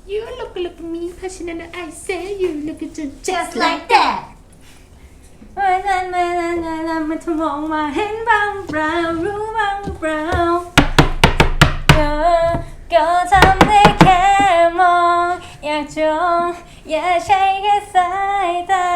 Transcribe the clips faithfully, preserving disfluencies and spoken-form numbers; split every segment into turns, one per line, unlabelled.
You look look me เพราะฉะนั้น I say you look just like that
ไม่ไม่ไม่ไม่ไม่มันมองมาเห็นบ้างเปล่ารู้บ้างเปล่าก็ก็ทำได้แค่มองอยากจ้องอย่าใช้แค่สายตา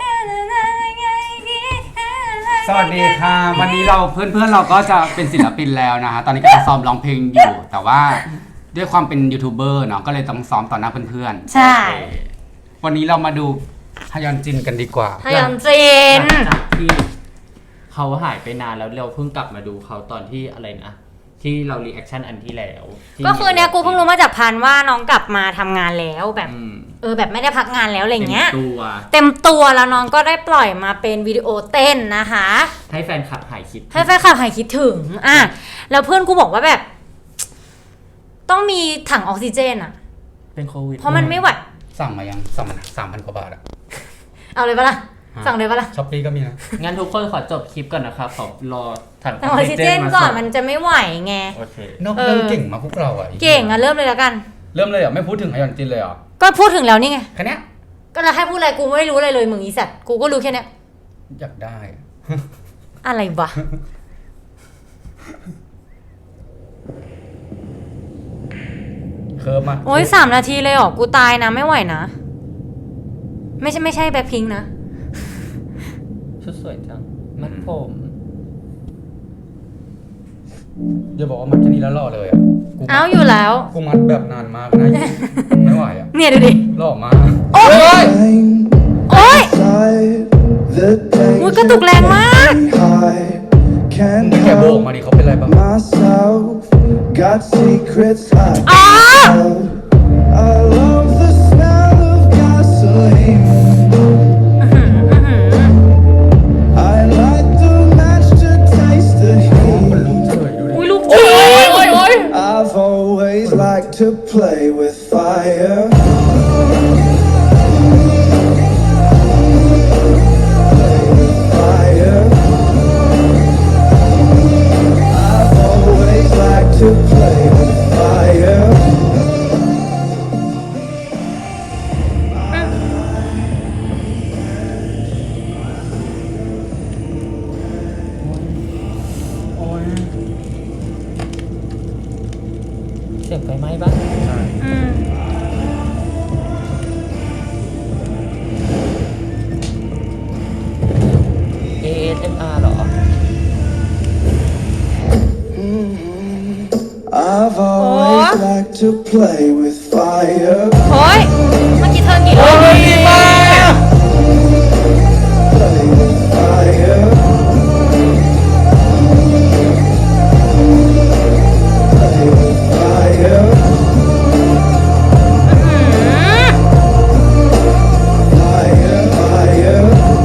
สวัสดีค่ะวันนี้เราเพื่อนๆเราก็จะเป็นศิลปินแล้วนะฮะตอนนี้ก็ซ้อมร้องเพลงอยู่แต่ว่าด้วยความเป็นยูทูบเบอร์เนาะก็เลยต้องซ้อมต่อหน้าเพื่อนๆ
ใช่
วันนี้เรามาดูฮยอนจินกันดีกว่า
ฮยอนจิน
จากที่เขาหายไปนานแล้วเราเพิ่งกลับมาดูเขาตอนที่อะไรนะที่เรารีแอคชั่นอันที่แล้ว
ก็คือเนี่ยกูเพิ่งรู้มาจากพันว่าน้องกลับมาทำงานแล้วแบบเออแบบไม่ได้พักงานแล้วอะไรเงี้ย
เต็มตัว
เต็มตัวแล้วน้องก็ได้ปล่อยมาเป็นวิดีโอเต้นนะคะ
ให้แฟนคลับหายคิด
ให้แฟนคลับหายคิดถึงอ่ะแล้วเพื่อนกูบอกว่าแบบต้องมีถังออกซิเจนอ่ะ
เป็นโควิด
เพราะมันไม่ไหว
สั่งมายังสั่งมาสามพันกว่าบาทอะ
เอาเลยปะล่ะสั่งเลยปะล่ะ
ช้อปปี้ก็มีนะ
งั้นทุกคนขอจบคลิปก่อนนะครับขอรอถังอ
อกซิเจนก่อนมันจะไม่ไหวไง
โอเคน
อกเรื่องเก่งมาพวกเราอะ
เก่งอะเริ่มเลยแล้วกัน
เริ่มเลยเหรอไม่พูดถึงฮยอนจินเลยเหรอ
ก็พูดถึงแล้วนี่ไง
แค่นี้
ก็เราให้พูดอะไรกูไม่รู้อะไรเลยมึงอีสัตว์กูก็รู้แค่นี้
อยากได้
อะไรวะ
เคิร์ฟมา
โอ้ยสามนาทีเลยเหรอกูตายนะไม่ไหวนะไม่ใช่ไม่ใช่แบ็คพิงค์นะ
ชุดสวยจังมัดผม
อย่าบอกว่ามัดแค่นี้แล้วหล่อเลยอ่ะ
อ้าวอยู่แล้ว
กูมัดแบบนานมากนะไม่ไหวอ่ะ
เนี่ยดูดิ
หล่อมาก
โอ้ยโอ้ยมุดกระตุกแรงมาก
นี่แกโบกมาดิเขาเป็นไรบ้าง
อ๋อ
I've always liked to play with fire. Fire. I've always liked to play with fire.
เสียงไฟไหม้บ้าง
ใช่
อืม
เอ เอส เอ็ม อาร์ เหรอ
I've always liked to play with fire.
โอ้ยเมื่อกี้เธอกี่รอบ
Play with fire. Play with fire. Fire, fire.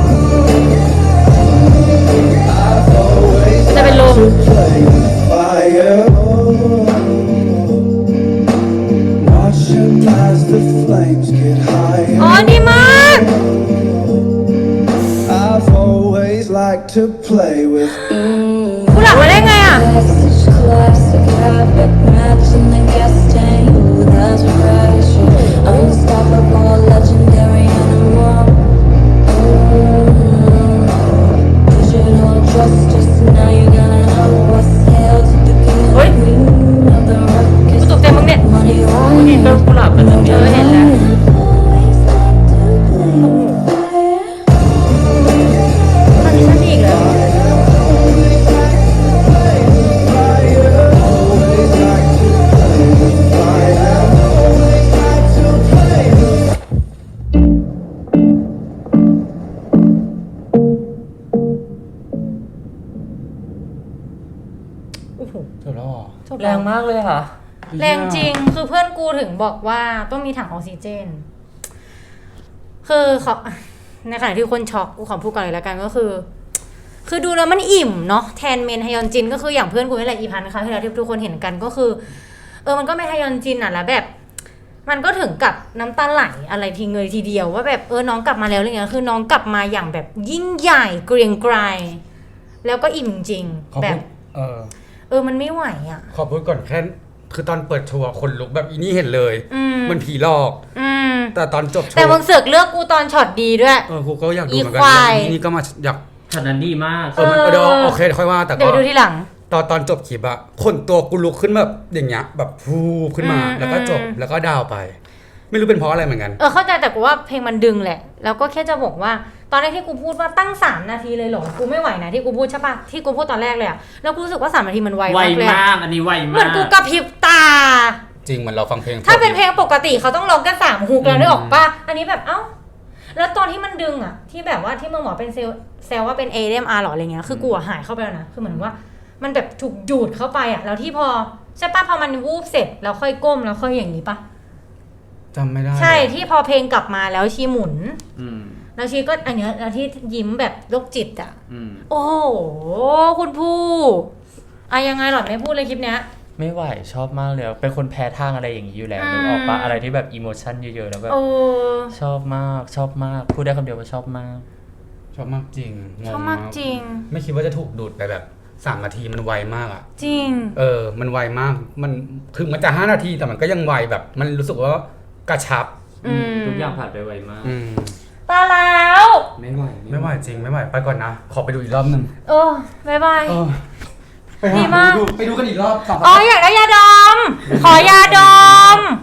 I've always liked to play with fire. Watching as the flames get
อ๋อ
higher.
ดีมาก
I've always liked to play with.
กูหลับมาได้ไงอ่ะ
Classic habit, matching the gas tank. Ooh, that's pressure. Unstoppable, legendary animal. Mm. Digital justice. Now you gotta know what's hell to the king and queen of the ruckus.
กูตกใจมึงเนี่ย
Money
เห็น
on
ต้นกุหลาบเป็นแบบ
เอ
นี้
อเห็นแล้ว
always like to play with fire.
ตอนนี้ฉันอีกแล้ว
Always like to play with fire. Always like to play with.
โอ้โห
เธอหล่อ
แรงมากเลยค่ะ
แรงจริงคือเพื่อนกูถึงบอกว่าต้องมีถังออกซิเจนคือเขาในขณะที่คนช็อกกูขอพูดก่อนเลยแล้วกันก็คือ คือดูแล้วมันอิ่มเนาะแทนเมนฮยอนจินก็คืออย่างเพื่อนกูนี่แหละอีพันนะคะที่เราที่ทุกคนเห็นกันก็คือเออมันก็ไม่ฮยอนจินอ่ะแล้วแบบ มันก็ถึงกับน้ำตาไหลอะไรทีเงยทีเดียวว่าแบบเออน้องกลับมาแล้วอะไรเงี้ยคือน้องกลับมาอย่างแบบยิ่งใหญ่เกรียงไกรแล้วก็อิ่มจริงแบบ
เออ
เออมันไม่ไหวอ่ะ
ขอพูดก่อนแค่คือตอนเปิดโชว์คนลุกแบบอีนี่เห็นเลย
อืม
มันผีหลอก
อืม
แต่ตอนจบโชว์
แต่มึงเสือกเลือกกูตอนช็อตดีด้วย
เออกูก็อยากดูเหมือนกั
อีควาย
อีนี่ก็มาอยาก
ฉะนั้นดีมาก
เออมันเออเดี๋ยวโอเคค่อยว่าแต่
เดี๋
ก็
ยวดูทีหลัง
ตอนตอนจบคลิปอะคนตัวกูลุกขึ้นแบบอย่างเงี้ยแบบฟูขึ้นมา
อืม
แล้วก็จบ
อืม
แล้วก็ดาวไป ไม่รู้เป็นเพราะอะไรเหมือนกัน
เออเข้าใจแต่กูว่าเพลงมันดึงแหละ แล้วก็แค่จะบอกว่า ตอนแรกที่กูพูดว่าตั้งสามนาทีเลยเหรอ กูไม่ไหวนะที่กูพูดใช่ปะที่กูพูดตอนแรกเลยอะแล้วกูรู้สึกว่าสามนาทีมันไว
ไว
มากเลย
มา
อะ
กอันนี้ไว
เห
มา
มือน
ก
กูกระพริบตา
จริงเหมือนเราฟังเพลง
ถ้าเป็นเพลงปกติเขาต้องร้องกันสามฮุกแล้วนึกออกปะอันนี้แบบเอ้า แล้วตอนที่มันดึงอะที่แบบว่าที่มึงบอกเป็นเซลเซลว่าเป็น เอ เอ็ม อาร์ หรออะไรเงี้ย คือกูอะหายเข้าไปแล้วนะ คือเหมือนว่า มันแบบถูกดูดเข้าไปอะแล้วที่พอใช่ปะพอมันวูบเสร็จแล้วค่อยก้มแล้วค่อยอย่างนี้ปะ
จำไม่ได้
ใช่ที่พอเพลงกลับมาแล้วชีหมุน
อืม
แล้วชีก็อันเนี้ยแล้วที่ยิ้มแบบโรคจิตอะ
อืม
โอ้โหคุณผู้อะยังไงหรอไม่พูดเลยคลิปเนี้ย
ไม่ไหวชอบมากเลยเป็นคนแพ้ทางอะไรอย่างนี้อยู่แล้ว
อืม
นึกออกปะอะไรที่แบบอิโมชันเยอะๆแล้วแบบ
โอ้
ชอบมากชอบมากพูดได้คำเดียวว่าชอบมาก
ชอบมากจริงงง
ชอบมากจริง
ไม่คิดว่าจะถูกดูดไปแบบสามนาทีมันไวมากอะ
จริง
เออ มันไวมาก มันถึงมันจะห้านาทีแต่มันก็ยังไวแบบ มันรู้สึกว่ากระชับ
อืม
ทุกอย่างผ่านไปไวมาก
อืม
ตาแล้ว
ไม่ไหว
ไม่ไหวจริงไม่ไหวไปก่อนนะ ขอไปดูอีกรอบหนึ่ง
เออบายบาย
เออไป
ดี
หาม
าก
ไปดูไปดูกันอีกรอบสอง
อ๋ออยากได้ยาดม ขอยาดม